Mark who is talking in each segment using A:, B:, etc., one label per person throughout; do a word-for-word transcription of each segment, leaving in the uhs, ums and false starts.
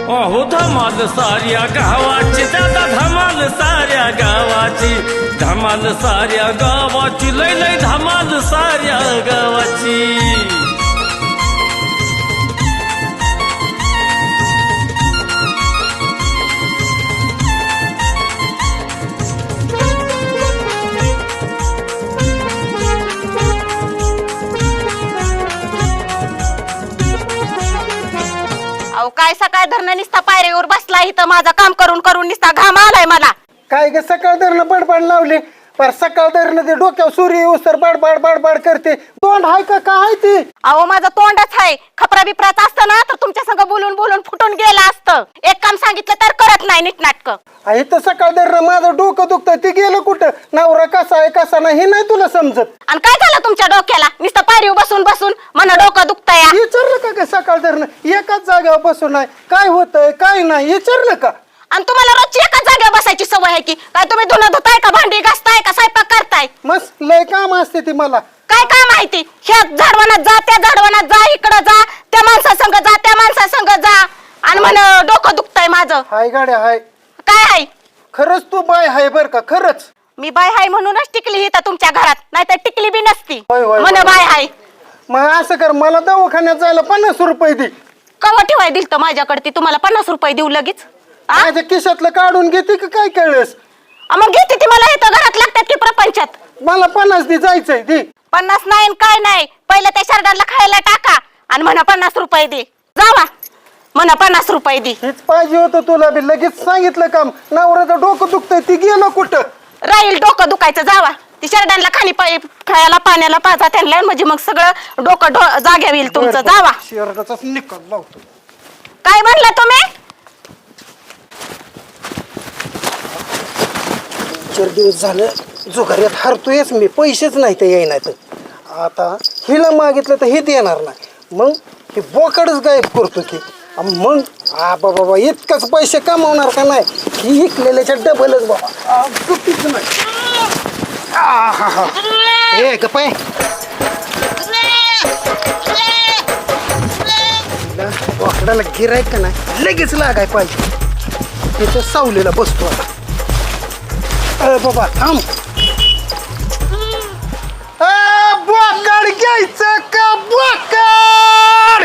A: अहो धमाल साऱ्या गावाची दादा धमाल साऱ्या गावाची धमाल साऱ्या गावाची लय लय धमाल साऱ्या गावाची
B: काय सकाळ धरणं निसता पायरीवर बसला इथं माझं काम करून करून निसता घाम आलाय मला.
C: काय ग सकाळ धरणं बडबड लावली पर सकाळ धरणं ते डोक्यावर सूर्य उसर बडबड बडबड करते. तोंड हाय का काय ती?
B: अहो माझं तोंडच आहे. खपरा बिपराच असतं ना तर तुमच्या संग बोलून बोलून फुटून गेलं असतं. एक काम सांगितलं तर करत नाही नीटनाटक.
C: इथं सकाळ धरणं माझं डोकं दुखतं ती गेलं कुठं? नवरा कसा आहे कसा नाही हे नाही तुला समजत.
B: आणि काय झालं तुमच्या डोक्याला? नुसतं पायरीवर बसून बसून मला डोकं दुखतंय.
C: विचारलं का ग सकाळ धरणं? एकाच जागेवर बसून आहे काय होतंय काय नाही विचारलं का?
B: आणि तुम्हाला रोजची एकाच जागेवर बसायची सवय आहे की काय? तुम्ही धुणं धुताय का भांडी घासताय का स्वयंपाक करताय?
C: मस्त लय काम असते ती मला.
B: काय काय माहिती? ह्या झाडवानात जा त्या झाडवानात जा इकडं जा त्या माणसा संग जा त्या माणसा संग जा आणि म्हण डोकं दुखतंय माझं.
C: हाय गाड्या हाय.
B: काय हाय?
C: खरंच तू बाय हाय बर का? खरंच
B: मी बाय हाय म्हणूनच टिकली इथं तुमच्या घरात, नाहीतर टिकली बी नसती.
C: होय, होय,
B: म्हण
C: होय.
B: बाय हाय.
C: मग असं कर मला दवाखान्यात जायला पन्नास रुपये दे.
B: कवा ठेवाय दिल तर माझ्याकडे ती तुम्हाला पन्नास रुपये देऊ लगेच? आ?
C: माझ्या खिशातलं काढून घेते का काय कळस?
B: आ, मग घेते ती मला इथं घरात लागतात की प्रपंचात.
C: मला पन्नास दे जायचंय दे.
B: पन्नास नाही आणि काय नाही. पहिलं त्या शर्टाला खायला टाका आणि म्हणा पन्नास रुपये दे. जावा म्हणा पन्नास रुपये दे.
C: हेच पाहिजे होतं तुला बी. लगेच सांगितलं काम. नवऱ्याचं डोकं दुखतंय ती गेलं कुठं?
B: राहील डोकं दुखायचं. जावा ती शर्टाला खाली पाय खायला पाण्याला पाजा त्यांना म्हणजे मग सगळं डोकं डो जाग्या होईल तुमचं. जावा.
C: शर्टाचाच निकाल लावतो.
B: काय म्हणलं तुम्ही?
C: चार दिवस झालं जुगाऱ्यात हरतोयच मी. पैसेच नाही तर येईनात. आता हिला मागितलं तर हे देणार नाही. मग हे बोकडच गायब करतो की. मग आ बाबा इतकंच पैसे कमावणार का नाही? ही इकलेल्याच्या डबलच बाबा. चुकीच नाही. आ हा हा ए गपाय बोकडाला गिरायक का नाही लगेच लागाय पाहिजे. त्याच्या सावलीला बसतो आता. अरे बाबा थांब. बोकड घ्यायचं का? बोकड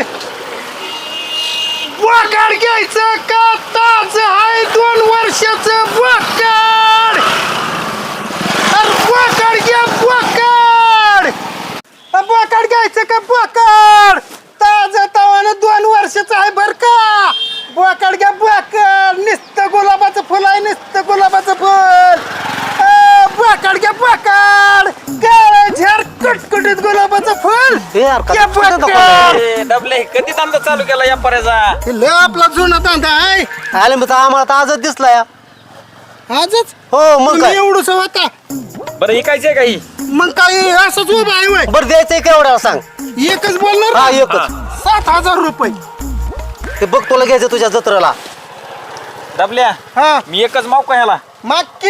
C: बोकड घ्यायचं का? ताज आहे दोन वर्षाचं बोकड. अरे बोकड घ्या बोकड. बोकड घ्यायचं का? बोकड ताज तवानं दोन वर्षाचं आहे बर का. बोकड घ्या बोकड. नुसतं गुलाबाचं फुल आहे नुसतं गुलाबाचं फुल. बोकड घ्या बोकड. काळं झाड कुटकुटीत गुलाबाचं फुल. घ्या बोकड.
A: डबले कधी धंदा चालू केला या पर्याचा?
C: लय आपला जुना धंदा आहे.
D: आले मग आम्हाला तर आजच दिसला या.
C: आजच
D: हो मग काय
C: एवढंच होता.
A: बरं ऐकायचंय काही?
C: मग काय असंच उभं आहे वय.
D: बरं द्यायचंय केवढ्याला सांग.
C: एकच बोलणार
D: हा
C: ना?
D: एकच.
C: सात हजार रुपये.
D: ते बघ तुला घ्यायचं तुझ्या जत्रेला.
A: डबल्या
C: हा
A: मी एकच माव का ह्याला
C: मागकी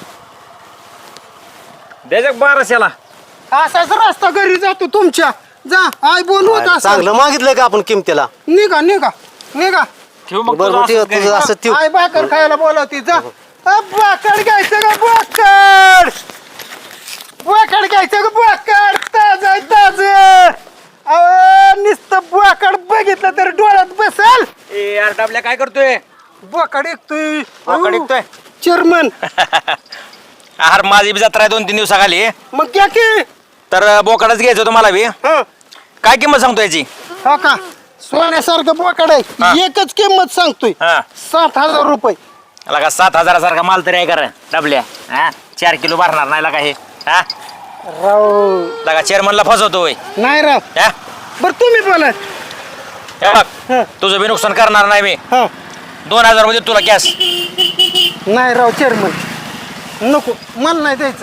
A: द्यायचं बाराशेला.
C: असाच रस्ता घरी जातो तुमच्या. जा आय बोलवत असं.
D: चांगलं मागितलंय का आपण किमतीला?
C: निघा निघा निघा.
A: ठेव मग
D: बरं
A: तुझं
D: ठेव
A: असंच घरी.
D: तुझं असं ठेव.
C: आय भाकर खायला बोलावती. जा अ, बोकड घ्यायचं का? बोकड बोकड घ्यायचं का? बोकड ताज आहे ताज. अहो नुसतं बोकड बघितलं तर डोळ्यात बसल.
A: ए यार डबल्या काय करतोय?
C: बोकड ऐकतोय.
A: बोकड ऐकतोय?
C: चेअरमन
A: अरे माझी बी जत्रा आहे दोन तीन दिवसाखाली.
C: मग क्या की
A: तर बोकडच घ्यायचं तुम्हाला बी.
C: हा
A: काय किंमत सांगतो याची?
C: हा का सोन्यासारखं बोकड
A: हा.
C: आहे. एकच किंमत सांगतोय
A: हा
C: सात हजार रुपये.
A: लगा सात हजारासारखा माल तरी आहे कर डबल्या. हा चार किलो भरणार नाही लगा हे. हा
C: राव
A: लगा चेअरमनला फसवतो होय.
C: नाही राव.
A: हा?
C: बर तुम्ही बोला.
A: हे बघ तुझं बी नुकसान करणार नाही मी.
C: हा
A: दोन हजार मध्ये तुला कॅश.
C: नाही राव चेअरमन नको मला नाही द्यायचं.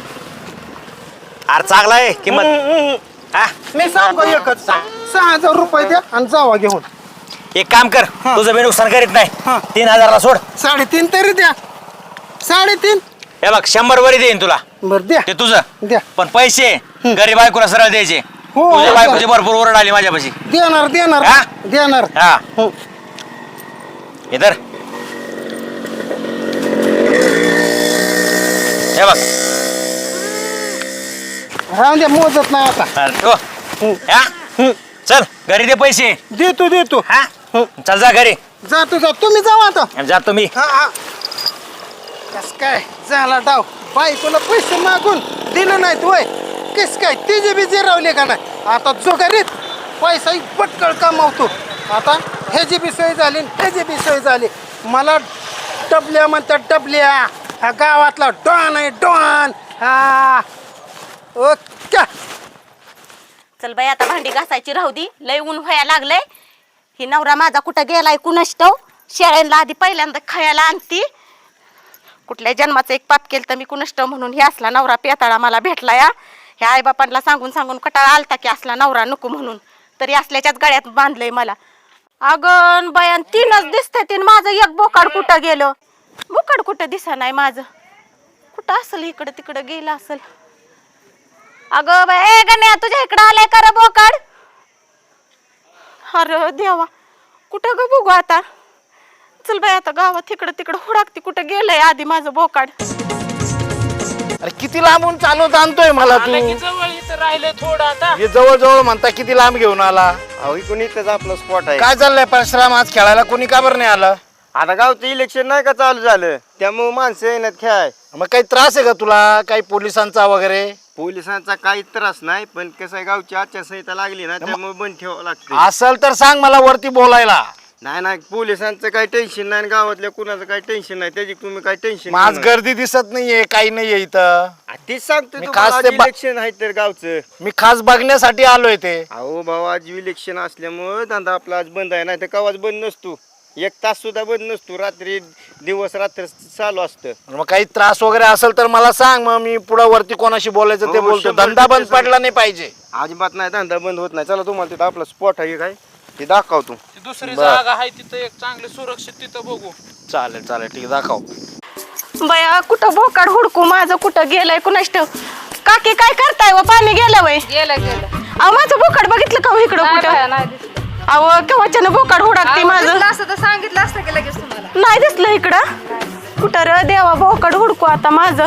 A: अरे चांगला आहे किंमत. हा
C: मी सांगतो एकच सहा हजार रुपये द्या आणि जावा घेऊन.
A: एक काम कर
C: हा.
A: तुझं बी नुकसान करीत नाही.
C: हा.
A: तीन हजारला सोड.
C: साडेतीन तरी द्या. साडेतीन
A: हे बघ शंभर वरी देईन तुला.
C: बर द्या
A: ते तुझं.
C: द्या.
A: पण पैसे गरीब बायकोला सरळ द्यायचे.
C: हो,
A: तुझ्या
C: हो,
A: बायकोची भरपूर ओरड आली माझ्यापाशी.
C: देणार देणार
A: हा?
C: देणार.
A: हा
C: हो.
E: इधर हे बघ
C: राहून द्या मोजत नाही आता
E: अरे तो या चल घरी दे पैसे
C: देतो देतो
E: हा चल जा घरी
C: जातो जातो तुम्ही जाऊ आता
E: जातो मी
C: हा हा कस काय झाला डाव बायकोला पैसे मागून दिलं नाही तू कस काय तिचे बी जिरवले का नाही आता जोगारीत पैसा पटकळ कमावतो आता ह्याची बी सोय झाली ह्याची बी सोय झाली मला डबल्या म्हणतात डबल्या हा गावातला डॉन आहे डॉन हा ओके
B: चल बाई आता भांडी घासायची राहू दे लय ऊन व्हायला लागलंय ही नवरा माझा कुठं गेलाय कुणास ठाऊक शेळ्यांना आधी पहिल्यांदा खायला आणती कुठल्या जन्माचं एक पाप केलं तर मी कुणास ठाऊक म्हणून हे असला नवरा पेताळा मला भेटला या ह्या आईबापांना सांगून सांगून कटाळा आलता की असला नवरा नको म्हणून तरी असल्याच्याच गळ्यात बांधलंय मला अगं बयान तीनच दिसते तीन माझं एक बोकाड कुठं गेलं बोकाड कुठं दिसा नाही माझं कुठं असेल इकडं तिकडं गेलं असेल अगं बाय गण्या तुझ्या इकडं आलाय का रे बोकाड अरे देवा कुठं ग बघू आता चल बाई आता गावात इकडं तिकडं हुडाकती कुठं गेलंय आधी माझं बोकाड
F: अरे किती लांबून चालवत आणतोय मला तू
G: जवळ इथं राहिलं थोडं आता
F: हे जवळ जवळ म्हणता किती लांब घेऊन आला
H: अहो इकडून इथंच आपला स्पॉट आहे.
F: काय चाललंय परशुराम आज खेळायला कोणी का बरं नाही आलं
H: आता गावचं इलेक्शन नाही का चालू झालं त्यामुळे माणसं येण्यात खेळाय.
F: मग काही त्रास आहे का तुला काही पोलिसांचा वगैरे
H: पोलिसांचा काही त्रास नाही पण कसं आहे गावची आचारसंहिता लागली ना त्यामुळे बंद ठेवावं लागतं.
F: असल तर सांग मला वरती बोलायला
H: नाही नाही पोलिसांचं काही टेन्शन नाही गावातल्या कुणाचं काही टेन्शन नाही त्याची तुम्ही काही टेन्शन
F: आज गर्दी दिसत नाहीये काही नाहीये इथं
H: तीच सांगतो
F: मी
H: तुम्हाला,
F: खास
H: आज
F: ते बा-
H: इलेक्शन आहे तर गावचं.
F: मी खास बघण्यासाठी आलोय ते
H: अहो भाऊ आज इलेक्शन असल्यामुळे धंदा आपला आज बंद आहे नाही तर कवाच बंद नसतो एक तास सुद्धा बंद नसतो रात्री दिवस रात्र चालू असतं.
F: मग काही त्रास वगैरे असेल तर मला सांग मग मी पुढे वरती कोणाशी बोलायचं ते
H: हो,
F: बोलतो
H: शंभर
F: धंदा बंद
H: टक्के
F: पडला नाही पाहिजे
H: अजिबात नाही धंदा बंद होत नाही. चला तुम्हाला तिथं आपला स्पॉट आहे काय ते दाखवतो.
G: दुसरी जागा आहे तिथं एक चांगली सुरक्षित तिथं बघू.
F: चालेल चालेल ठीक आहे दाखव
B: बया कुठं बोकाड हुडकू माझं कुठं गेलंय कुणास ठाऊक काकी काय करताय व पाणी गेलं वय
I: गेलं गेलं
B: अहो माझं बोकाड बघितलं का हो इकडं
I: नाही
B: कुठं
I: बाया, नाही दिसलं.
B: अहो केव्हाच्यानं बोकाड हुडाकते
I: अहो,
B: माझं
I: दिसलं असतं तर सांगितलं असतं की लगेच तुम्हाला.
B: नाही दिसलं इकडं कुठं र देवा बोकाड हुडकू आता माझं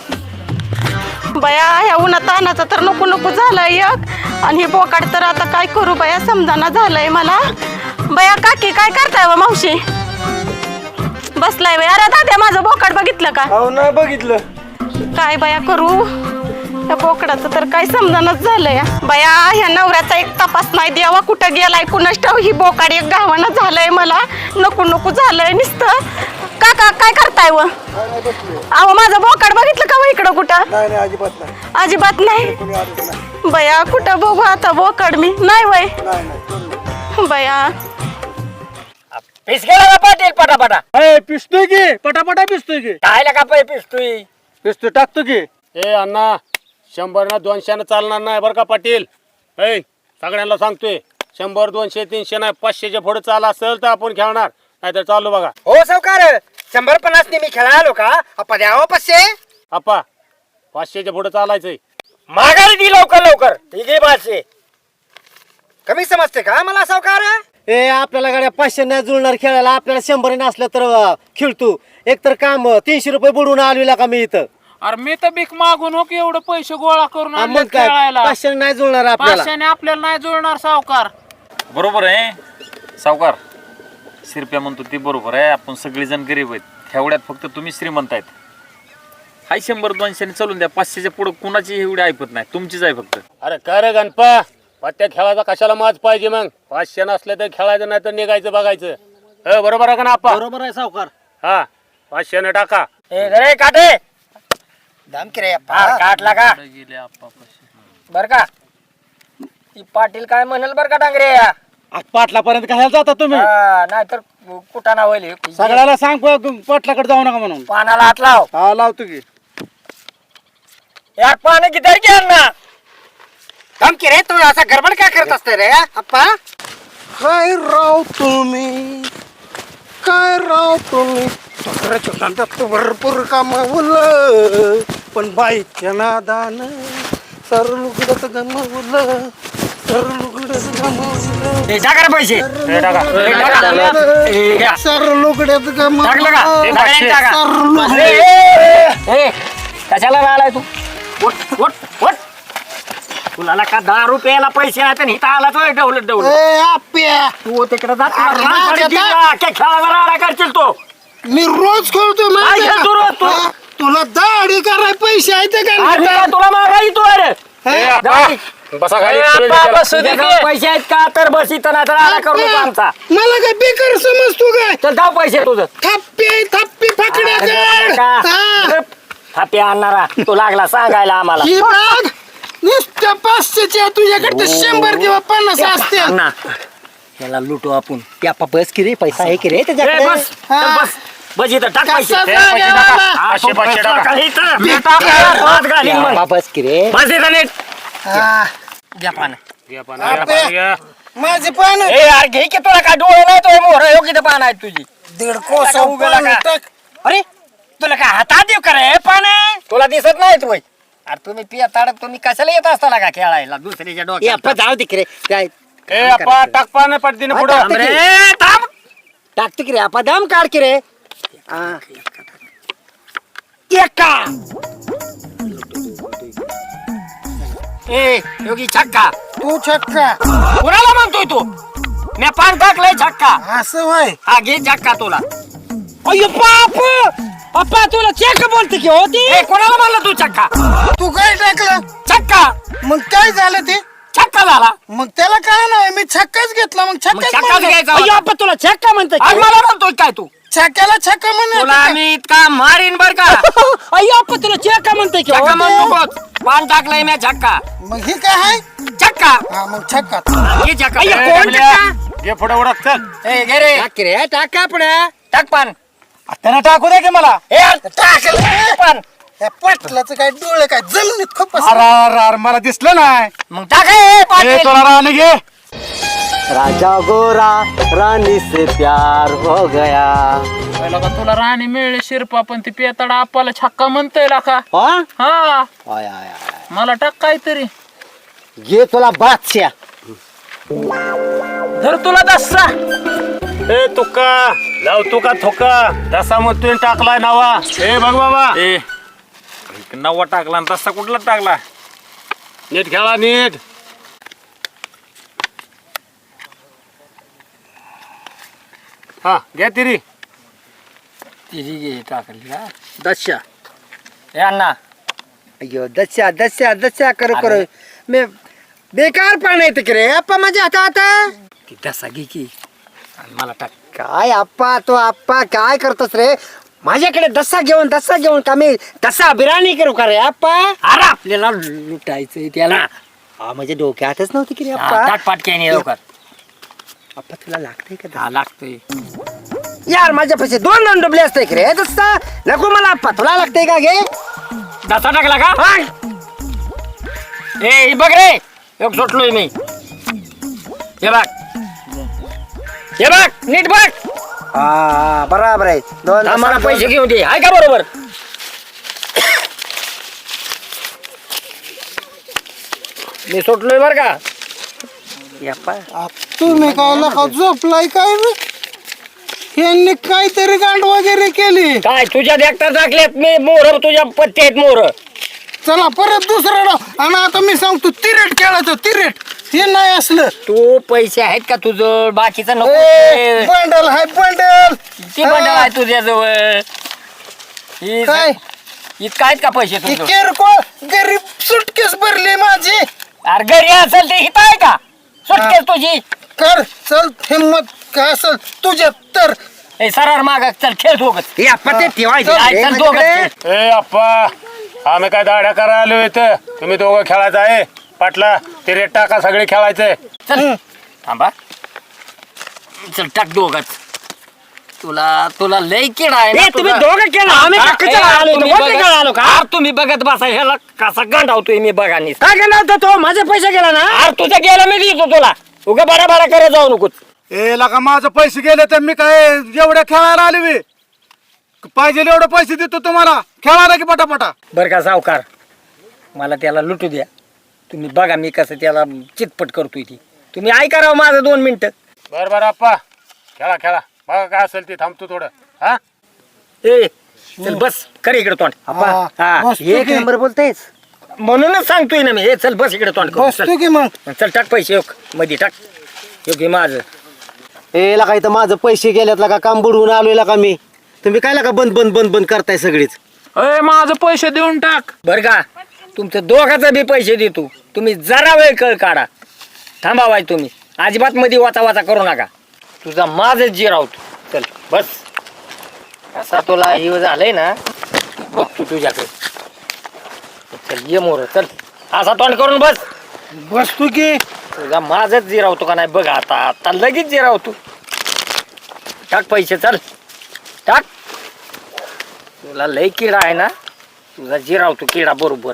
B: बया ह्या उन्हा तानाचं तर नको नको झालंय एक आणि हे बोकाड तर आता काय करू बया समजाना झालंय मला बया काकी काय करताय व मावशी बसलाय बया अरे दाद्या माझं बोकाड बघितलं का
H: अहो नाही बघितलं
B: काय बया करू या बोकडाचं तर काय समजानच झालंय बया ह्या नवऱ्याचा एक तपास नाही द्यावा कुठं गेलाय कुणास ठाव ही बोकाड एक गावानं झालंय मला नको नको झालंय नुसतं काका काय करताय व अहो माझं बोकाड बघितलं का व इकडं कुठं
C: नाही नाही अजिबात नाही
B: अजिबात नाही बया कुठं बघू आता बोकाड मी नाही वय बया
E: पीस गेला का पाटील पटापटा
C: पिसतोय की पटापटा पिसतोय की
E: काय का पै पिसतोय
C: पिसतोय टाकतो की
G: ए अण्णा शंभर ना दोनशे चालणार नाही बरं का पाटील. ऐ सगळ्यांना सांगतोय शंभर दोनशे तीनशे नाही पाचशेच्या पुढे चाल असेल तर आपण खेळणार नाहीतर चालू बघा.
F: हो सावकार शंभर पन्नास मी खेळा आलो का आपण द्यावं पाचशे
G: आप्पा पाचशेच्या पुढे चालायचंय.
E: माघारी दी लवकर लवकर ठीक आहे पाचशे
F: कमी समजते का मला सावकार
D: ए आपल्याला गाड्या पाचशे नाही जुळणार खेळायला आपल्याला शंभर असलं तर अं, खेळतो एक तर काम अं, तीनशे रुपये बुडवून आलेला का मी इथं
G: अरे मी तर भीक मागून हो की एवढं पैसे गोळा करून
D: हा,
G: आणले
D: मग काय
G: खेळायला.
D: पाचशे नाही जुळणार आपल्याला
G: पाचशेने आपल्याला नाही जुळणार सावकार.
J: बरोबर आहे सावकार शिरप्या म्हणतो ते बरोबर आहे आपण सगळेजण गरीब आहेत एवढ्यात फक्त तुम्ही श्रीमंत आहेत. हाय शंभर दोनशे चालून द्या पाचशेच्या पुढे कुणाची एवढी ऐकत नाही तुमचीच आहे फक्त.
G: अरे काय रे गणपा पत्त्या खेळायचा कशाला माज पाहिजे मग पाचशे नसले तर खेळायचं नाही तर निघायचं बघायचं. ए बरोबर आहे का ना आप्पा.
D: बरोबर आहे सावकार
G: हा पाचशेने टाका.
E: ए घरे काटे
F: दाम की रे
E: फार काटला का बर का ती पाटील काय म्हणेल बर का डांगरे
C: पाटलापर्यंत कशाला जाता तुम्ही
E: नाहीतर कुठं ना होईल
C: सगळ्याला सांग प- पाटलाकडे जाऊ नका म्हणून
E: पानाला हात लाव.
C: हा लावतो की
E: यार पाणी किती घ्या ना
F: दाम की रे तू असा गडबड काय करत असते रे अप्पा
C: काय राव तुम्ही काय राव तुम्ही छोट्या छोट्या भरपूर कामावलं पण बाईच्या नादानं सर लुगडत गमावलं सर लुगड
E: ए, टाका रे पैसे
G: हे टाका.
E: ए, टाका. ए, घ्या.
C: सर लोकड्यात का मग-
E: टाकलं का
G: हे
E: टाका,
G: पाचशे.
E: टाका.
C: सर लोक-
E: ए, ए, ए, कशाला राहिलाय तू उठ उठ उठ तुला का दहा रुपयाला पैसे आहेत आणि इथं आला तो डवलत डवलत
C: ए, आप्या
E: तू तिकडे जात
C: अरे, माझ्या
E: खेळाला राडा करशील तो
C: मी रोज खेळतो
E: काय
C: माहिती
E: खेळतो रोज तू?
C: का? हा, तुला दाढी कराय पैसे आहेत का
E: अरे,
C: नाही?
E: तुला मागा तू अरे
G: ए, आप्पा,
E: दाढी.
G: बसा खाली.
E: ए, आप्पा, बसू दे की. पैसे आहेत का तर बस इथं नाही तर आला करू नको आमचा
C: मला काय बेकार समजतो काय
E: चल जाऊ पैसे तुझं
C: थप्पी थप्पी फाकड्या कर. हा.
E: हापी आणणारा तू लागला सांगायला आम्हाला
C: ही बघ नुसत्या पाचशेच्या तुझ्याकडे तर शंभर किंवा पन्नास असते
E: अण्णा, याला लुटू आपण त्या बस की रे पैसा आहे की रे त्याच्याकडे बस चल बस बस इथं टाक पैसे
C: कसा
E: ए, पैसे
C: जागा
E: टाका.
C: वाला?
E: हा,
G: पाचशे,
E: तो
G: पाचशे
E: पैसा
G: टाका.
E: टाका इथं. मी टाकला, हात घालीन मग.
D: बस की रे
E: बस इथं नीट
C: हा.
E: घ्या पानं.
G: घ्या पाणी, घ्या पाणी, घ्या.
C: माझे पान
E: ए यार घे की तुला काय डोळे नाही तो मोहर योग्य तर पान आहेत तुझी
C: दीड
E: टाका,
C: कोसा
E: उगाला
C: पान
E: का?
C: टाक.
E: अरे तुला काय हातात देऊ करे पान तुला दिसत नाही तू अरे तुम्ही पिया ताडत तुम्ही कशाला येत असता का खेळायला दुसऱ्याच्या
D: ए,
E: डोक्यात
D: आप्पा जाऊ दे की रे काय
G: ए, आप्पा, टाक पाणी पटदीने पुढं.
D: थांब रे.
E: अरे थांब
D: टाकते की रे आप्पा दम काढ की रे हा.
E: एका ए योगी छक्का
C: तू छक्का
E: कुणाला म्हणतोय तू मी पान टाकलंय छक्का
C: असं होय
E: हा घे छक्का तुला
D: अय्यो बाप पप्पा तुला चेक बोलते की होती
E: ए कोणाला म्हणलं तू छक्का
C: तू काय टाकलं
E: छक्का
C: मग काय झालं ते
E: छक्का झाला
C: मग त्याला काय नाही मी छक्काच घेतला मग
E: मग
C: छक्काच
E: छक्काच
C: म्हणलं.
E: घ्यायचा
D: अय्यो
E: होता.
D: आप्पा तुला चेक का म्हणते
E: आज मला म्हणतोय काय तू
C: छक्क्याला छक्का
E: तुला
C: म्हणलं
E: मी इतका मारीन बर का
D: अय्यो आप्पा तुला चेक का म्हणते की
E: छक्का
D: होती?
E: म्हणू नकोस पान टाकलंय मी छक्का
C: मग ही काय आहे
E: छक्का
C: हा मग छक्का
E: घे छक्का
G: ए,
E: ए, कोण
G: डबल्या,
E: छक्का?
G: घे पुढं उडक चल.
E: ए घे रे
D: टाक की रे टाक का पुढे
E: टाक पान
C: त्यानं टाकू दे की मला
E: ए टाकलं पान
C: या पाटलाचं काय डोळे काय जमिनीत खूप
F: अरे मला दिसलं नाही
E: मग टाक ए, पाटील.
F: तुला राहणे घे
D: राजा गोरा रानी से प्यार हो गया
K: पहिला का तुला राणी मिळले शिरपा पण ती पेताडा आपाला छक्का म्हणतोय का
D: हा
K: हा
D: आय, आय, आय.
K: मला टाक काहीतरी
D: घे तुला बादशा
K: धर तुला दस्सा
G: ए तुका लाव तुका थोका तसा मग तुम्ही टाकलाय नावा ए बघ बाबा
J: ए एक नवा टाकला आणि तसा कुठला टाकला
G: नीट खेळा नीट हा घ्या तिरी
E: तिची घे टाकली का
D: दशा
E: ए अण्णा
D: अय्यो दशा दशा दशा करो करो मी बेकार पाणी येते की रे आप्पा माझ्या हातात
E: ती दसा घे की आणि मला टाक
D: काय आप्पा तो आप्पा काय करतोस रे माझ्याकडे दसा घेऊन दसा घेऊन का मी दसा बिर्याणी करू का रे आप्पा
E: अरे आपल्याला लुटायचंय त्याला
D: हा माझ्या डोक्यातच नव्हती की रे
E: हा,
D: आप्पा
E: टाक पाटक्या नाही लवकर
D: आप्पा तुला लागतंय का
E: हा लागतोय
D: यार माझ्या पैसे दोन दोन डबले असते की रे दसा नको मला आप्पा तुला लागतंय का घे
E: दसा टाकला का
D: हा.
E: ए हे बघ रे एक सुटलोय मी हे बघ हे बघ नीट बघ
D: हा हा, बराबर आहे दोन
E: आम्हाला
D: दसा,
E: पैसे घेऊन दे आहे का बरोबर मी सुटलोय बर का
D: दोन. आप्पा
C: तुम्ही काय नका झोपलाय काय रे? यांनी काहीतरी गांड वगैरे केली
E: काय तुझ्या देखता टाकल्यात मी मोर तुझ्या पत्ते आहेत मोर
C: चला परत दुसरा डाव आणि आता मी सांगतो तिरेट खेळायचं तिरेट हे नाही असलं
E: तू पैसे आहेत का तुझं बाकीचं नको ते.
C: बंडल हाय बंडल
E: किती बंडल आहे तुझ्याजवळ ही-
C: काय
E: इतका आहेत का पैसे
C: ही
E: तुझं
C: किरकोळ गरीब सुटकेस भरली माझी
E: अरे घरी असेल ते हित आहे का सुटकेस तुझी
C: कर चल हिम्मत काय असेल तुझ्यात तर
E: ए सरार माग चल खेळ सोबत
D: हे आप्पा ते ठेवायचे
E: चल,
D: रे
E: चल, दोघं
D: माझ्याकडे.
G: ए अप्पा आम्ही काय दाड्या करायला आलो इथं तुम्ही दोघं खेळायचं आहे पाटला ते रेट टाका सगळे खेळायचंय
E: चल थांबा चल टाक दोघच तुला तुला लय किड आहे ना
D: ए, तुम्ही
E: तुझा.
D: दोघं केलं आम्ही
E: हा,
D: का
E: ए,
D: कशाला आलो
E: तुम्ही
D: इथं? कोण
E: बघत-
D: कशाला आलो का
E: अरे तुम्ही बघत बसा ह्याला कसा गंडावतोय मी बघा नी
D: काय केलं होतं तो माझे पैसे गेला ना
E: अरे तुझं गेलं मी देतो तुला उगा बरा बरा करत जाऊ नको
F: ए लका माझं पैसे गेले तर मी काय एवढ्या खेळायला आले मी पाहिजे एवढे पैसे देतो तुम्हाला खेळायला की पटापटा
E: बर का सावकार मला त्याला लुटू द्या तुम्ही बघा मी कसं त्याला चितपट करतोय ती तुम्ही ऐका राव माझं दोन मिनिटं.
G: बरं बरं आप्पा खेळा खेळा बघा काय असेल ते थांबतो थोडं हा
E: ए चल बस कर इकडे तोंड. हा,
D: एक नंबर बोलतेस.
E: म्हणूनच सांगतोय ना मी. हे चल बस इकडे तोंड करून.
C: बसतो की मग
E: चल चल टाक पैसे योग मध्ये टाक. योग्य माझं
D: ए लका इथं माझं पैसे गेल्यात का काम बुडवून आलोय का मी. तुम्ही काय लका बंद बंद बंद बंद करताय सगळीच.
K: अय माझं पैसे देऊन टाक.
E: बर का तुमचं दोघाचं बी पैसे देतो. तुम्ही जरा वेळ कळ काढा. थांबावाय तुम्ही अजिबात मध्ये वाचा वाचा करू नका. तुझा माझच जिरावतो. चल बस. असा तुला हे झालंय ना बघतो तुझ्याकडे. चल ये मोर चल. असा तोंड करून बस.
C: बसतो की
E: तुझा माझच जिरावतो का नाही बघ. आता आता लगेच जिरावतो. टाक पैसे चल टाक. तुला लय किडा आहे ना. तुझा जिरावतो किडा बरोबर.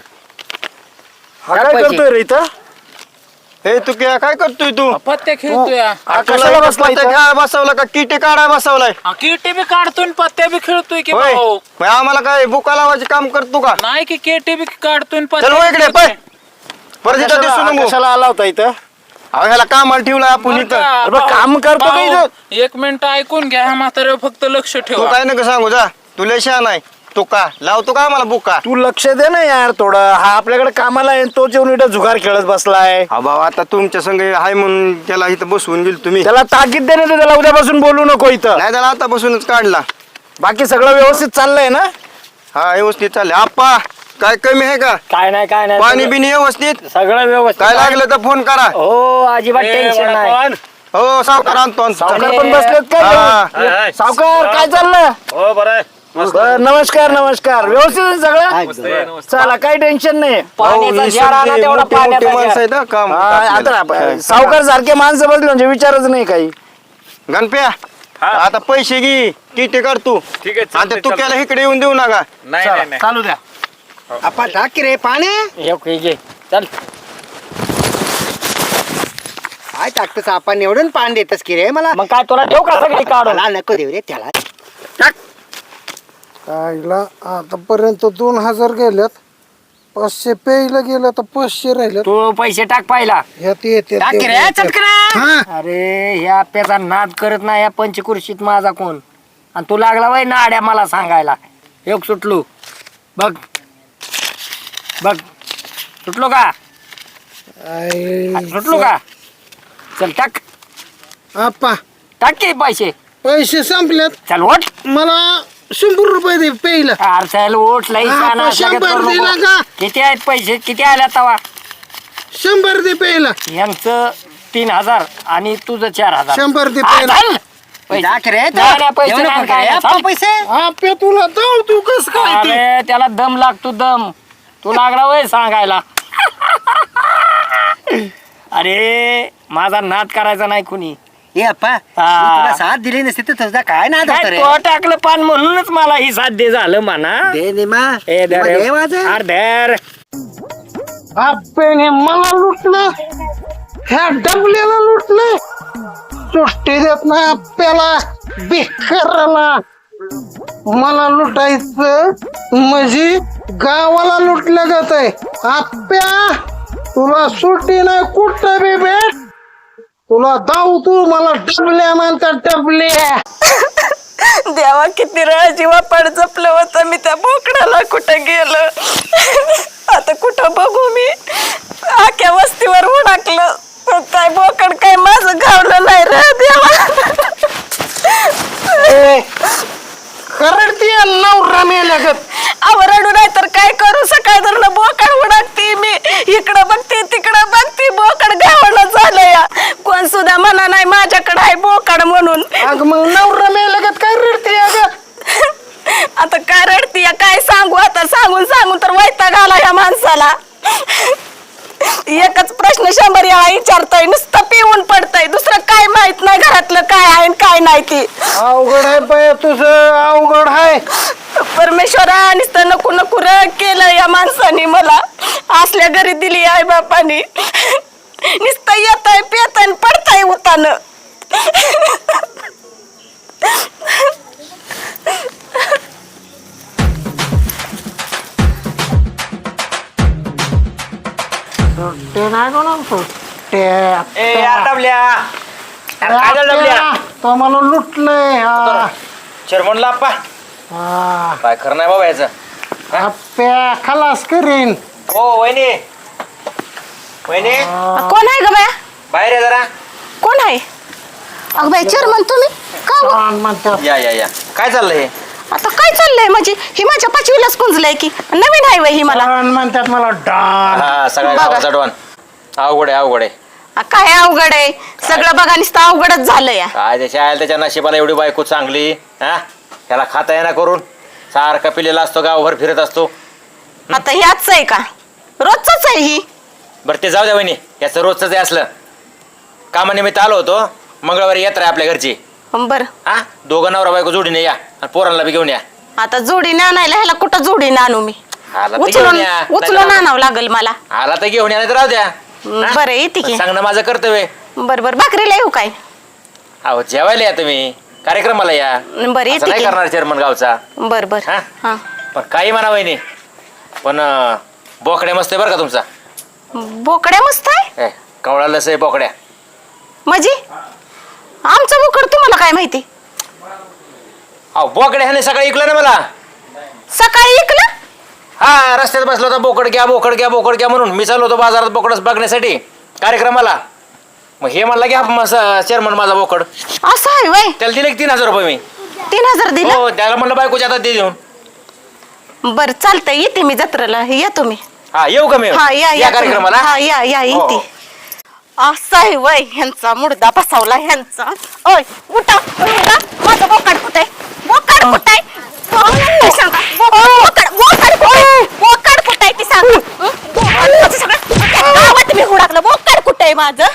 H: हा काय करतोय रे इथं? हे तू क्या काय करतोय तू?
K: पत्ते खेळतोय.
H: कशाला बसलाय? काय बसवला का किटे काढाय बसवलाय?
K: केटी बी काढतोय आणि पत्ते बी खेळतोय की
H: होय
K: भाऊ.
H: मग आम्हाला काय बुका लावायचे काम करतो का?
K: नाही की केटी बी काढतोय आणि
H: चल हो इकडे पाय. परत इथं दिसू
C: कशाला
H: नको.
C: कशाला आला होता इथं?
H: अहो ह्याला कामाला ठेवलाय आपण इथं.
C: अरे बा, काम करतो का इथं?
K: एक मिनिट ऐकून घ्या. ह्या म्हाताऱ्यावर फक्त लक्ष
H: तू
K: ठेवा.
H: काय नका सांगू जा. तुला शहाणा आहे. तू का लावतो का आम्हाला बुका?
C: तू लक्ष दे ना यार थोडं. हा आपल्याकडे कामाला आहे तो जेवण इथं जुगार खेळत बसलाय.
H: हा भाऊ आता तुमच्या संग आहे म्हणून त्याला इथं बसवून गेल तुम्ही.
C: त्याला ताकीद दे ना तू. त्याला उद्यापासून बोलू नको इथं.
H: नाही त्याला आतापासूनच काढला.
C: बाकी सगळं व्यवस्थित चाललंय ना?
H: हा व्यवस्थित चालले. आप्पा काय कमी आहे का?
E: काय नाही काय नाही.
H: पाणी बिनी व्यवस्थित?
E: सगळं व्यवस्थित.
H: काय लागलं तर फोन करा.
E: हो अजिबात टेन्शन नाही.
H: हो सावकार आणतो आणतो.
C: सावकार पण बसलेत काय?
H: हा.
C: सावकार काय चाललं?
G: हो बरं आहे
C: बरं, नमस्कार नमस्कार. व्यवस्थित आहे सगळं? चला काही टेन्शन नाही.
E: पाण्याचा
H: हो,
E: जार आणा
H: मोठी-
E: तेवढा
H: मोठी- मोठी
E: पाण्याचा
H: माणसं
E: जार.
H: आहेत हा, काम
C: हा,
H: आपल्याला.
C: आता सावकार सारखे माणसं बसले म्हणजे विचारच नाही काही.
H: गणप्या आता पैसे घे किटे काढ तू.
J: ठीक आहे
H: आता
J: चालतंय,
H: तू
J: चालतंय.
H: त्याला इकडे येऊन देऊ नका.
J: नाही नाही नाही.
C: चालू द्या. आपण टाक की रे पाणी.
E: हे घे, घे चल.
D: काय टाकतस आपण एवढं पाणी देतस की रे मला.
E: मग काय तुला ठेव का सगळी काढून.
D: मला नको देऊ रे त्याला.
C: आईला आतापर्यंत दोन हजार गेल्यात. पाचशे प्यायला गेलं तर पाचशे राहिलं.
E: तू पैसे टाक पाहिला.
C: ह्यात येते
E: टाक की रे
C: ते-
E: चटकन.
C: हा.
E: अरे ह्या आप्याचा नाद करत नाही. या पंचकुर्शीत माझा कोण. आणि तू लागला वय नाड्या मला सांगायला. एक सुटलो बघ बघ सुटलो का?
C: आई-
E: सुटलो का? चल टाक
C: आप्पा
E: टाक की पैसे.
C: पैसे संपलेत.
E: चल ओट.
C: मला शंभर रुपये दे प्यायला.
E: अरे चल ओट लई
C: हा,
E: छान असला का
C: शंभर
E: करू
C: दिला
E: नको.
C: का?
E: किती आहेत पैसे किती आल्या तवा?
C: शंभर दे प्यायला.
E: यांचं तीन हजार आणि तुझं चार हजार.
C: शंभर दे
E: हा,
C: प्यायला.
E: चल. पैसे.
D: टाक रे.
E: नाही, नाही, पैसे
D: एवढं
E: नाही,
D: पण
E: काय
D: काय?
E: नाही,
D: आप्पा
E: चल.
D: पैसे.
C: आप्या तुला जाऊ तू कस काय ते?
E: अरे त्याला दम लागतो दम. तू लागला वय सांगायला. अरे माझा नाद करायचा नाही कुणी.
D: ए अप्पा मी तुला साथ दिली नसती तर तुझा काय नाद होता रे.
E: तो टाकलं पान म्हणूनच मला ही साध्य झालं म्हणा.
D: दे निमा.
E: ए
D: निमा दे माझं.
E: अरे धर.
C: आप्याने मला लुटलं. ह्या डबल्याला लुटलं. सुट्टी देत नाही आप्याला बेकाराला. मला लुटायचं म्हणजे गावाला लुटलं जात आहे. आप्या तुला सुट्टी नाही कुठं बी भेट. तुला दाऊ तू मला डबल्या म्हणतात डबल्या.
B: देवा किती वेळा जीवा पड जपलं होतं मी त्या बोकडाला. कुठं गेलं आता कुठं बघू मी. आख्या वस्तीवर उडाकलं पण काय बोकड काय माझं गावलं नाही रे देवा.
C: करडती नवरा मेल्यागत.
B: आवरडू नाही तर काय करू. सकाळ धरणं बोकड उडाकते मी. इकडं बघते तिकडं बघते बोकड गावलं झालं या. कोण सुद्धा म्हणा नाही माझ्याकडे आहे बोकड म्हणून.
C: अग मग नवरा मेल्यागत काय रडती अगं?
B: आता काय रडती काय सांगू. आता सांगून सांगून तर वैताग आला या माणसाला. एकच प्रश्न शंभर वेळा विचारतोय. नुसतं पिऊन पडतय. दुसरं काय माहित नाही घरातलं काय आहे आणि काय नाही ती.
C: अवघड आहे बाय तुझं. अवघड आहे.
B: परमेश्वरा नुसतं नको नको र केलं या माणसाने मला. असल्या घरी दिली आई बापानी. नुसतं येतय पेतय पडतय उतानं.
C: ते नाही कोणाचं. आपट्या
E: ए यार डबल्या अरे काय झालं डबल्या
C: तो मला लुटलंय हा.
E: चेअरमनला आप्पा
C: हा.
E: काय खरं नाही बाबा याचं
C: आप्या खलास करीन
E: हो वहिनी वहिनी
B: कोण आहे ग बाया
E: बाहेर आहे जरा
B: कोण आहे अगं बाई चेअरमन तुम्ही का हो?
C: छान म्हणतात
E: या या या काय चाललंय हे
B: आता काय चाललंय म्हणजे ही माझ्या पाचवीलाच कुंजलंय की नवीन आहे वय ही मला
C: छान म्हणतात मला डान
E: हा सगळ्या
B: बघा.
E: गावाचा डॉन अवघड आहे अवघड आहे
B: आ, काय अवघड आहे सगळं बघा नुसतं अवघडच झालं या
E: काय त्याच्या आयला त्याच्या नशिबाला एवढी बायको चांगली हा त्याला खाता येणार करून सारखा पिलेला असतो गावभर फिरत असतो
B: आता ह्याच आहे का रोजच आहे ही
E: बरं ते जाऊ द्या वहिनी याचं रोजचं जे असलं कामानिमित्त आलो होतो मंगळवारी यात्रा आहे आपल्या घरची
B: बर
E: हा दोघं नवरा बायको जोडीने या आणि पोरांना बी घेऊन या
B: आता जोडीने आणायला ह्याला कुठं जोडीने आणू मी
E: आला तर घेऊन
B: उचलून
E: या
B: उचलून आणावं लागल मला
E: आला तर घेऊन या नाही तर राहू द्या हा?
B: बरं येते की
E: सांगणं माझं कर्तव्य
B: बर बर भाकरीला येऊ काय
E: अहो जेवायला या तुम्ही कार्यक्रमाला या
B: बरं
E: असं
B: येते
E: नाही
B: की
E: करणार चेअरमन गावचा
B: बर बर
E: हा?
B: हा
E: पण काही म्हणा वहिनी पण अं, बोकड्या मस्त आहे बरं का तुमचा
B: बोकड्या मस्त आहे
E: ए, कवळा लस आहे बोकड्या
B: म्हणजे आमचं बोकड तुम्हाला काय माहिती
E: अहो बोकड्या ह्याने सकाळी ऐकलं ना मला
B: सकाळी ऐकलं
E: हा रस्त्यात बसलो होता बोकड घ्या बोकड घ्या बोकड घ्या म्हणून मी चाललो होतो बाजारात बोकडच बघण्यासाठी कार्यक्रमाला मग हे म्हणला घ्या चेअरमन माझा बोकड
B: असं आहे वय
E: त्याला दिले की तीन हजार रुपये मी
B: तीन हजार दिलं
E: हो त्याला म्हणलं बायकोच्या हातात दे देऊन
B: बर चालतंय येते मी जत्रेला या तुम्ही
E: हा येऊ का मी
B: हा या या तुम्ही.
E: कार्यक्रमाला
B: हा या या
E: हो,
B: येते
E: हो.
B: असं आहे वय ह्यांचा मुडदा बसावला ह्यांचा ओय उठा उठा माझं बोकाड कुठे बोकाड कुठे बोकाड बोकाड कुठे बोकाड कुठे ती सांग हं? बोकाड माझं सगळं गावात मी हुडाकलं बोकाड कुठे माझं